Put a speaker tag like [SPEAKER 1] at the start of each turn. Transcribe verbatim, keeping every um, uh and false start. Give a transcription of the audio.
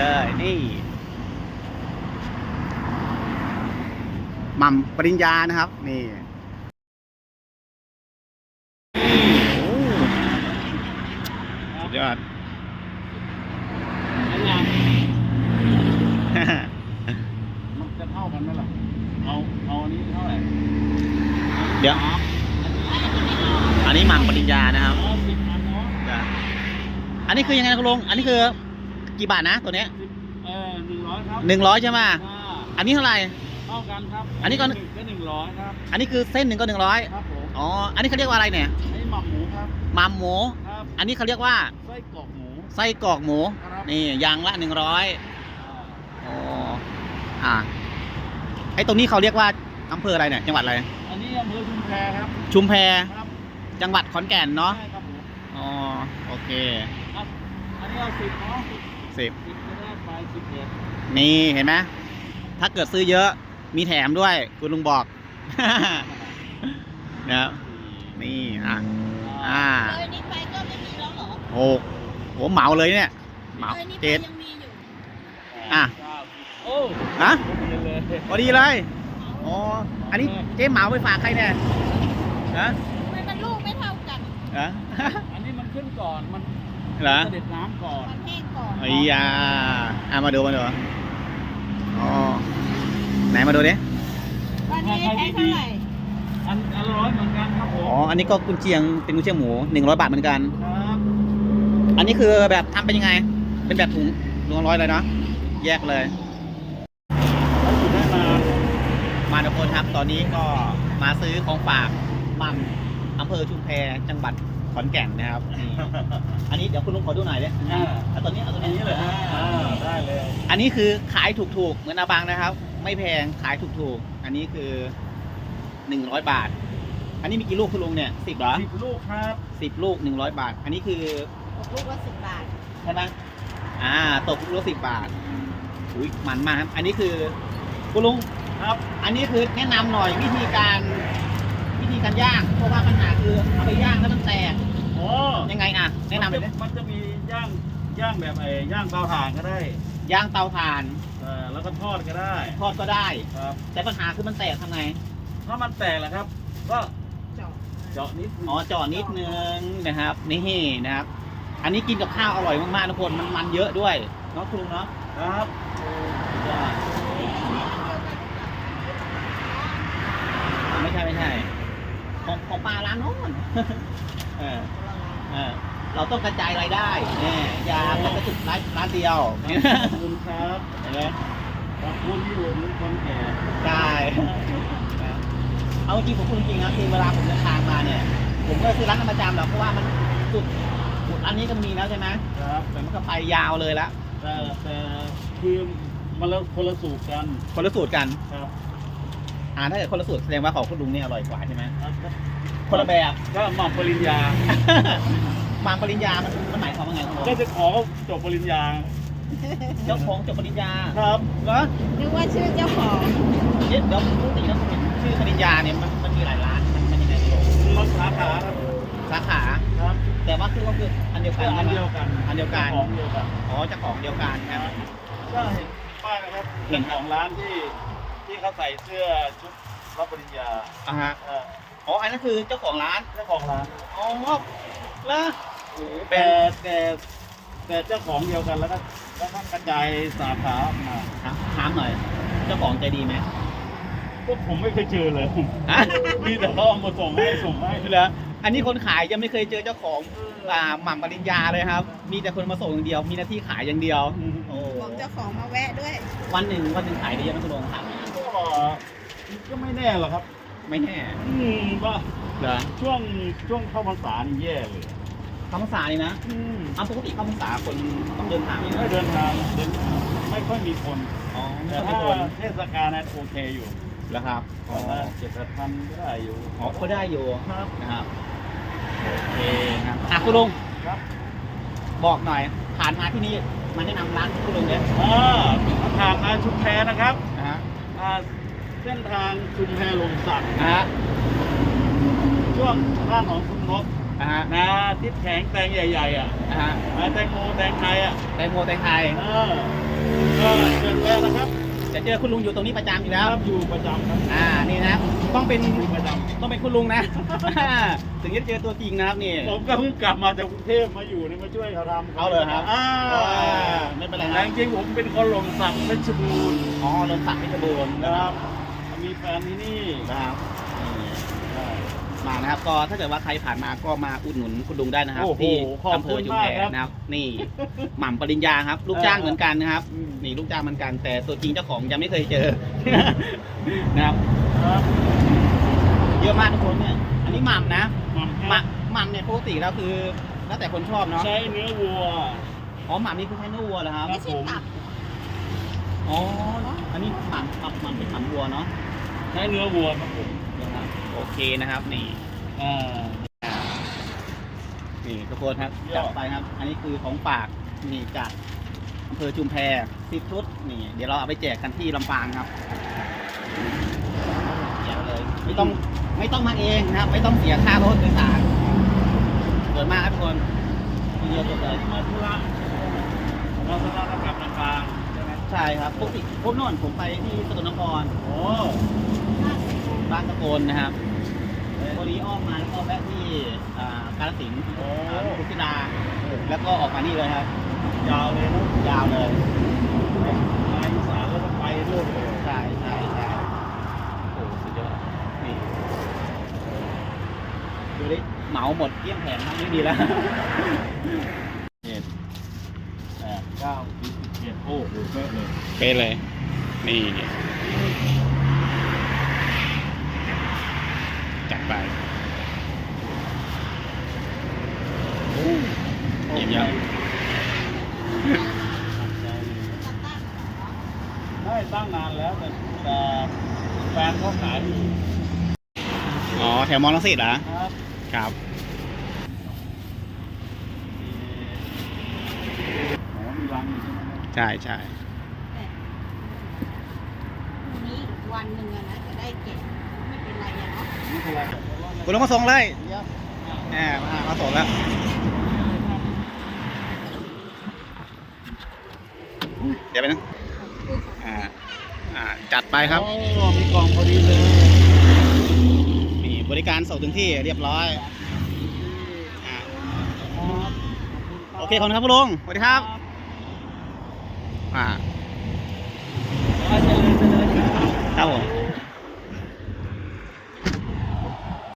[SPEAKER 1] เลยนี่หม่ำปริญญานะครับนี่สุดยอด
[SPEAKER 2] มันจะเท่ากันไหมล่ะเอาเอาอันนี้เท่าไหร่
[SPEAKER 1] เดี๋ยวอันนี้หม่ำปริญญานะครับอันนี้คือยังไงคุณลุงอันนี้คือกี่บาทนะตัวเนี้ย
[SPEAKER 2] เออหนึ่งร้อยครับ
[SPEAKER 1] หนึ่งร้อยใช่ไหมอันนี้เท่าไหร่
[SPEAKER 2] เท่ากันครับ
[SPEAKER 1] อันนี้ก็
[SPEAKER 2] หนึ่งร้อยครับ
[SPEAKER 1] อันนี้คือเส้นหนึ่งก็หนึ่งร้อย
[SPEAKER 2] ครับผม
[SPEAKER 1] อ๋ออันนี้เขาเรียกว่าอะไรเนี่ย
[SPEAKER 2] ไอ้หม่ำหมูครับ
[SPEAKER 1] หม่ำหมู
[SPEAKER 2] ครับ
[SPEAKER 1] อันนี้เขาเรียกว่า
[SPEAKER 2] ไส้กรอกหมู
[SPEAKER 1] ไส้กรอกหมูนี่ยางละหนึ่งร้อยอ๋ออ่าไอ้ตรงนี้เขาเรียกว่าอำเภออะไรเนี่ยจังหวัดอะไร
[SPEAKER 2] อันนี้อำเภอชุมแพครับ
[SPEAKER 1] ชุมแพ
[SPEAKER 2] ครับ
[SPEAKER 1] จังหวัดขอนแก่นเนาะ
[SPEAKER 2] ใช่ครับผม
[SPEAKER 1] อ๋อโอเค
[SPEAKER 2] อันนี้เอาสิบเนาะ
[SPEAKER 1] สิบ
[SPEAKER 2] สิบจะได้ไปสิบเอ็ด
[SPEAKER 1] นี่เห็นไหมถ้าเกิดซื้อเยอะมีแถมด้วยคุณลุงบอก นะครับนี่อ่ะอ่า
[SPEAKER 3] เลยนี้ไปก็ไม่มีแล้วเหรอ
[SPEAKER 1] โอ้โหเหมาเลยเนี่ยเหมาเจ็ดอ่ะ
[SPEAKER 2] โอ้
[SPEAKER 1] ฮะพอดีเลยอ๋ออันนี้เจ๊เหมาไปฝากใครเนี่ยฮะ
[SPEAKER 3] ทำไมมันลูกไม่เท่ากัน
[SPEAKER 1] ฮะ
[SPEAKER 2] อันนี้มันขึ้นก่อนมัน
[SPEAKER 1] เหรอ
[SPEAKER 2] เสด็จน้ำก่อน
[SPEAKER 3] มันแห้งก่อน
[SPEAKER 1] ไอ้ยาอ่ะมาดูมาดูอ๋อไหนมาดูดิ
[SPEAKER 3] วันนี้ใช้เท่าไหร่
[SPEAKER 2] อันอันร้อยเหมือนกันครับผม
[SPEAKER 1] อ๋ออันนี้ก็กุนเชียงเป็นกุนเชียงหมูหนึ่งร้อยบาทเหมือนกัน
[SPEAKER 2] ครับ
[SPEAKER 1] อันนี้คือแบบทำเป็นยังไงเป็นแบบถุงถุงร้อยเลยเนาะแยกเลย
[SPEAKER 2] ได้มา
[SPEAKER 1] มาทุกคนครับตอนนี้ก็มาซื้อของฝากมั่มอำเภอชุมแพจังหวัดขอนแก่นนะครับนี่อันนี้เดี๋ยวคุณลุงขอดูหน่อยดิเอาตัวนี้เอาตัวนี้เลย
[SPEAKER 2] ได้เลย
[SPEAKER 1] อันนี้คือขายถูกๆเหมือนอาบังนะครับไม่แพงขายถูกๆอันนี้คือหนึ่งร้อยบาทอันนี้มีกี่ลูกคุณลุงเนี่ยสิบเหรอ
[SPEAKER 2] สิบลูกครับ
[SPEAKER 1] สิบลูกหนึ่งร้อยบาทอันนี้คือ
[SPEAKER 3] ตกลูกละสิบบาท
[SPEAKER 1] ใช่ไหมอ่าตกลูกละสิบบาทอุ้ยมันมากครับอันนี้คือคุณลุง
[SPEAKER 2] ครับ
[SPEAKER 1] อันนี้คือแนะนำหน่อยวิธีการวิธีการย่างเพราะว่าปัญหาคือเอาไปย่างแล้วมันแตก
[SPEAKER 2] โอ้
[SPEAKER 1] ยังไงอ่ะแนะนำเลย
[SPEAKER 2] มันจะมีย่างย่างแบบไอ้ย่างเตาถ่านก็ได้
[SPEAKER 1] ย่างเตาถ่าน
[SPEAKER 2] เออแล้วก็ทอดก็ได้
[SPEAKER 1] ทอดก็ได้
[SPEAKER 2] ครับ
[SPEAKER 1] แต่ปัญหาคือมันแตกทำไง
[SPEAKER 2] ถ้ามันแตกแหละครับก็
[SPEAKER 3] เจาะ
[SPEAKER 2] เจาะนิด
[SPEAKER 1] อ๋อเจาะนิดนึงนะครับนี่นะครับอันนี้กินกับข้าวอร่อยมากๆทุกคนมันมันเยอะด้วยเนาะคุณลุงเนาะ
[SPEAKER 2] ครับ
[SPEAKER 1] ไม่ใช่ไม่ใช่ของของปลาร้านโน้นเออเออเราต้องกระจายรายได้เนี่ยอย่าไปกระจุกร้านร้านเดียว
[SPEAKER 2] ขอบคุณครับ
[SPEAKER 1] เห็นไหม
[SPEAKER 2] ขอบคุณที่ผมคนแก่
[SPEAKER 1] ได้เอาจริงผมพูดจริงนะคือเวลาผมเดินทางมาเนี่ยผมก็ซื้อร้านประจำหรอกเพราะว่ามันสุดสุดอันนี้ก็มีแล้วใช่ไหม
[SPEAKER 2] ครับ
[SPEAKER 1] แต่มันก็ไปยาวเลยละ
[SPEAKER 2] แต่แต่คือมันคนละสูตรกัน
[SPEAKER 1] คนละสูตรกัน
[SPEAKER 2] ครับ
[SPEAKER 1] อ่าถ้าเกิดคนละสูตรแสดงว่าของคุณลุงเนี่ยอร่อยกว่าใช่ไหมคนละแบบ
[SPEAKER 2] ก็หม่ำปริญญา
[SPEAKER 1] หม่ำปริญญามันมันหมายความว่าไงครับ
[SPEAKER 2] ก็จะขอจบปริญญา
[SPEAKER 1] เจ้าของจบปริญญา
[SPEAKER 2] ครับ
[SPEAKER 1] เหรอ
[SPEAKER 3] นึกว่าชื่อเจ้าของ
[SPEAKER 1] เดี๋ยวเดี๋ยวปกติแล้วผมเห็นชื่อปริญญาเนี่ยมันมันมีหลายร้านมันมันยังไง
[SPEAKER 2] มันสาขา
[SPEAKER 1] สาขา
[SPEAKER 2] ครับ
[SPEAKER 1] แต่ว่าคือก็คืออันเดียวกัน
[SPEAKER 2] อันเดียวกัน
[SPEAKER 1] อันเดียวกัน
[SPEAKER 2] ของเดียวกัน
[SPEAKER 1] อ๋อเจ้าของเดียวกันครับ
[SPEAKER 2] ก็เห็นป้ายนะครับเห็นของร้านที่ที่เขาใส่เสื้อชุดรับปริญญา
[SPEAKER 1] อ่าฮะอ๋ออันนั้นคือเจ้าของร้าน
[SPEAKER 2] เจ้าของร้าน
[SPEAKER 1] อ๋อแล้ว
[SPEAKER 2] แต่แต่แต่เจ้าของเดียวกันแล้วก็แล้วก็กระจายสาขาออกมา
[SPEAKER 1] ถามหน่อยเจ้าของใจดีไหม
[SPEAKER 2] พวกผมไม่เคยเจอเลยมีแต่เขาเอามาส่งให้ส่งให้
[SPEAKER 1] แล้วอันนี้คนขายยังไม่เคยเจอเจ้าของหม่ำปริญญาเลยครับมีแต่คนมาส่งอย่างเดียวมีหน้าที่ขายอย่างเดียว
[SPEAKER 3] โอ้บอกเจ้าของมาแวะด้วย
[SPEAKER 1] วันหนึ่งวันหนึ่งขายได้ยังไม่คุณลงครับ
[SPEAKER 2] ก็ก็ไม่แน่หรอกครับ
[SPEAKER 1] ไม่แน่
[SPEAKER 2] อืมว่า
[SPEAKER 1] เหรอ
[SPEAKER 2] ช่วงช่วงเข้าพรรษานี่แย่เลย
[SPEAKER 1] เข้าพรรษานี่นะ
[SPEAKER 2] อืม
[SPEAKER 1] เอาปกติเข้าพรรษาคนต้องเดินทาง
[SPEAKER 2] ไม่เดินทางเดินไม่ค่อยมีคน
[SPEAKER 1] อ๋อ
[SPEAKER 2] แต่ถ้าเทศกาลนั้นโอเคอยู่
[SPEAKER 1] แล้วครับ
[SPEAKER 2] อ๋อเจ็ดพันก็ได้อยู่
[SPEAKER 1] อ๋อก็ได้อยู่
[SPEAKER 2] ครับ
[SPEAKER 1] นะครับโอเคครับอ่ะคุณลุง
[SPEAKER 2] ครับ
[SPEAKER 1] บอกหน่อยผ่านมาที่นี่มาแนะนำร้านคุณลุงเนี่ย
[SPEAKER 2] อ่าทางมาชุมแพนะครับ
[SPEAKER 1] นะฮะ
[SPEAKER 2] เส้นทางชุมแพลงสัก
[SPEAKER 1] นะฮะ
[SPEAKER 2] ช่วงข้างของคุณนก
[SPEAKER 1] นะฮะ
[SPEAKER 2] นะทิศแข็งแตงใหญ่ๆอ่ะ
[SPEAKER 1] นะฮะ
[SPEAKER 2] แตงโมแตงไทยอ่ะ
[SPEAKER 1] แตงโมแตงไทย
[SPEAKER 2] เออก็เชิญแวะนะครับ
[SPEAKER 1] จะเจอคุณลุงอยู่ตรงนี้ประจำอยู่
[SPEAKER 2] ค
[SPEAKER 1] แล้ว
[SPEAKER 2] รับอยู่ประจำครับ
[SPEAKER 1] อ่านี่นะครับต้องเป็น
[SPEAKER 2] อยู่ประจ
[SPEAKER 1] ต้องเป็นคุณลุงนะ ถึงจะเจอตัวจริงนะครับนี่
[SPEAKER 2] ำผมก็เพิ่งกลับมาจากกรุงเทพมาอยู่นี่มาช่วยเขาทำ
[SPEAKER 1] เอาเลยครับ
[SPEAKER 2] อ่า
[SPEAKER 1] ไม่เป็นไร
[SPEAKER 2] แต่
[SPEAKER 1] นะ
[SPEAKER 2] จริงๆผมเป็นคนหล่มสักเพชรบูรณ์
[SPEAKER 1] อ๋อเริ่มสักเพชรบูรณ์นะ
[SPEAKER 2] นะ
[SPEAKER 1] ค
[SPEAKER 2] ค
[SPEAKER 1] รั
[SPEAKER 2] รั
[SPEAKER 1] บบ
[SPEAKER 2] มีแฟนที่นี่
[SPEAKER 1] นะครับนี่มานะครับก็ถ้าเกิดว่าใครผ่านมาก็มาอุดหนุนคุณลุงได้นะครับ
[SPEAKER 2] โอ้โห
[SPEAKER 1] ที่
[SPEAKER 2] ขอบ
[SPEAKER 1] อำเภ
[SPEAKER 2] คุ
[SPEAKER 1] อ
[SPEAKER 2] ณ
[SPEAKER 1] จุฬ
[SPEAKER 2] มากครับ
[SPEAKER 1] นะครับ นี่หม่ำปริญญาครับ ลูกจ้างเหมือนกันนะครับ
[SPEAKER 2] อืม
[SPEAKER 1] นี่ลูกจ้างเหมือนกัน แต่ตัวจริงเจ้าของยังไม่เคยเจอ นะครับ
[SPEAKER 2] ครับ
[SPEAKER 1] เยอะมากทุกคนเนี่ย อันนี้หม่ำนะ
[SPEAKER 2] หม่ำ
[SPEAKER 1] ห
[SPEAKER 2] ครั
[SPEAKER 1] ม่
[SPEAKER 2] บ
[SPEAKER 1] ำหม่ำเนี่ยปกติแล้วคือแล้วแต่คนชอบเนาะ
[SPEAKER 2] ใช้เนื้อวัว
[SPEAKER 1] อ๋อหม่ำนี่คือใช้เนื้อวัวเหรอครับ
[SPEAKER 3] ไม่ใช่ตับ
[SPEAKER 1] อ๋อ อันนี้หม่ำหม่ำหม่ำเป็นหม่ำวัวเนาะ
[SPEAKER 2] ใช้เนื้อวัวครับผม
[SPEAKER 1] นะครับโอเคนะครับนี่
[SPEAKER 2] อ่า
[SPEAKER 1] นี่ทุกคนครับ
[SPEAKER 2] ยอ
[SPEAKER 1] จั
[SPEAKER 2] ด
[SPEAKER 1] ดไปครับ อันนี้คือของฝากนี่จากอำเภอชุมแพสิบชุดนี่ เดี๋ยวเราเอาไปแจกกันที่ลำปางครับแจกเลย ไม่ต้องไม่ต้องมาเองนะครับ ไม่ต้องเสียค่ารถโดยสารสวยมากครับทุกคนทีเดียวจบเลย
[SPEAKER 2] มาธุระมาธุระก็กลับลำปางใช่ไหม
[SPEAKER 1] ใช่ครับปกติผมโน่นผมไปที่สกลนคร
[SPEAKER 2] โอ้
[SPEAKER 1] บ้านตะโกนนะครับพอดีอ้อมมาแล้วก็แวะที่อ่ากาฬสินธุ์
[SPEAKER 2] โอ้
[SPEAKER 1] อ่าลูกกุศิลาแล้วก็ออกมานี่เลยครับ
[SPEAKER 2] ยาวเลยนะ
[SPEAKER 1] ยาวเลย
[SPEAKER 2] มาอีสานแล้วก็ไปเรื่อยเลย
[SPEAKER 1] ใช่ใช่ใช่โอ้สุดยอดนี่ดูดิเหมาหมดเกลี้ยงแผงทั้งนี้ดีแล้ว
[SPEAKER 2] เจ็ดแปดเก้าสิบสิบเจ็ดโอ้โหเป๊ะเลย
[SPEAKER 1] เป๊ะเลย นี่จัดไปเยี่ยมยอด
[SPEAKER 2] ได้ตั้งนานแล้วแต่แต่แฟนเขาขายอยู่
[SPEAKER 1] อ๋อแถวมอลังสิตเหรอ
[SPEAKER 2] ครับ
[SPEAKER 1] ครับ
[SPEAKER 2] อ๋อมีรังอยู่ใช่ไหม
[SPEAKER 1] ใช่ใช่
[SPEAKER 3] พรุ่งนี้อีกวันหนึ่งอะนะจะได้เก็บไม่เป็นไรอะเนาะ
[SPEAKER 2] นี่คืออะไรแต่ว่า
[SPEAKER 1] คุณลงมาส่งเลย
[SPEAKER 2] เยี่ยม
[SPEAKER 1] แหมมามาส่งแล้วเดี๋ยวไปนะอ่าอ่าจัดไปครับ
[SPEAKER 2] โอ้มีกล่องพอดีเลย
[SPEAKER 1] นี่บริการส่งถึงที่เรียบร้อยอ่าโอเคขอบคุณครับคุณลุงสวัสดีครับอ่า
[SPEAKER 2] เจริญเจริญ
[SPEAKER 1] ครับผม